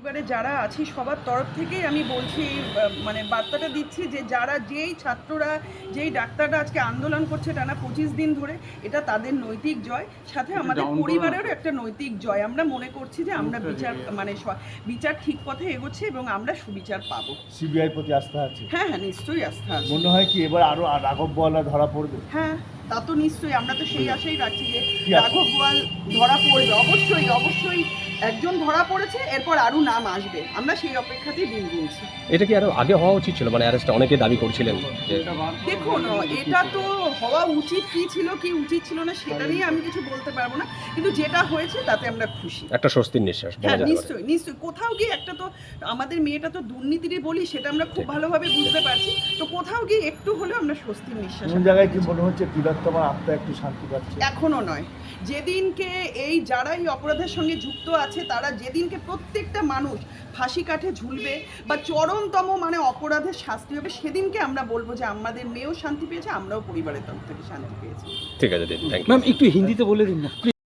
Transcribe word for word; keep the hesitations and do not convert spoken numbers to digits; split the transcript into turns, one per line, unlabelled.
পরিবারে যারা আছি সবার তরফ থেকেই আমি বলছি, মানে বার্তাটা দিচ্ছি যে যারা যেই ছাত্ররা যেই ডাক্তাররা আজকে আন্দোলন করছে টানা পঁচিশ দিন ধরে, এটা তাদের নৈতিক জয়, সাথে আমাদের পরিবারেরও একটা নৈতিক জয়। আমরা মনে করছি যে আমরা বিচার মানে বিচার ঠিক পথে এগোচ্ছে এবং আমরা সুবিচার পাবো।
সিবিআই প্রতি আস্থা আছে?
হ্যাঁ হ্যাঁ নিশ্চয়ই আস্থা আছে।
মনে হয় কি এবার আরো রাঘব বোয়ালরা ধরা পড়বে?
হ্যাঁ তা তো নিশ্চয়ই, আমরা তো সেই আশাই রাখছি যে রাঘব বোয়াল ধরা পড়বে। অবশ্যই অবশ্যই একজন ধরা পড়েছে, এরপর আরও নাম আসবে, আমরা সেই অপেক্ষাতেই দিন গুনছি।
এটা কি আরো আগে হওয়া উচিত ছিল? মানে অ্যারেস্টটা অনেকে দাবি করছিলেন যে
দেখুন, এটা তো হওয়া উচিত কি ছিল কি উচিত ছিল না সেটা নিয়ে আমি কিছু বলতে পারবো না, কিন্তু যেটা হয়েছে তাতে আমরা খুশি।
একটা স্বস্তির নিঃশ্বাস বলা
হ্যাঁ
যেতে পারে।
নিশ্চয়ই নিশ্চয়ই, কোথাও গিয়ে একটা তো আমাদের মেয়েটা তো দুর্নীতিরই বলি, সেটা আমরা খুব ভালোভাবে বুঝতে পারছি, তো কোথাও গিয়ে একটু হলেও আমরা স্বস্তির নিঃশ্বাস।
কোন জায়গায় কি মনে হচ্ছে তিলোত্তমার আত্মা একটু শান্তি পাচ্ছে?
এখনো নয়, যেদিনকে এই যারা এই অপরাধের সঙ্গে যুক্ত আছে তারা যেদিনকে প্রত্যেকটা মানুষ ফাঁসি কাঠে ঝুলবে বা চরমতম মানে অপরাধের শাস্তি হবে, সেদিনকে আমরা বলবো যে আমাদের মেয়েও শান্তি পেয়েছে, আমরাও পরিবারের তরফ থেকে শান্তি পেয়েছি।
ঠিক আছে দিদি, থ্যাংক ইউ।
ম্যাম একটু হিন্দিতে বলে দিন না।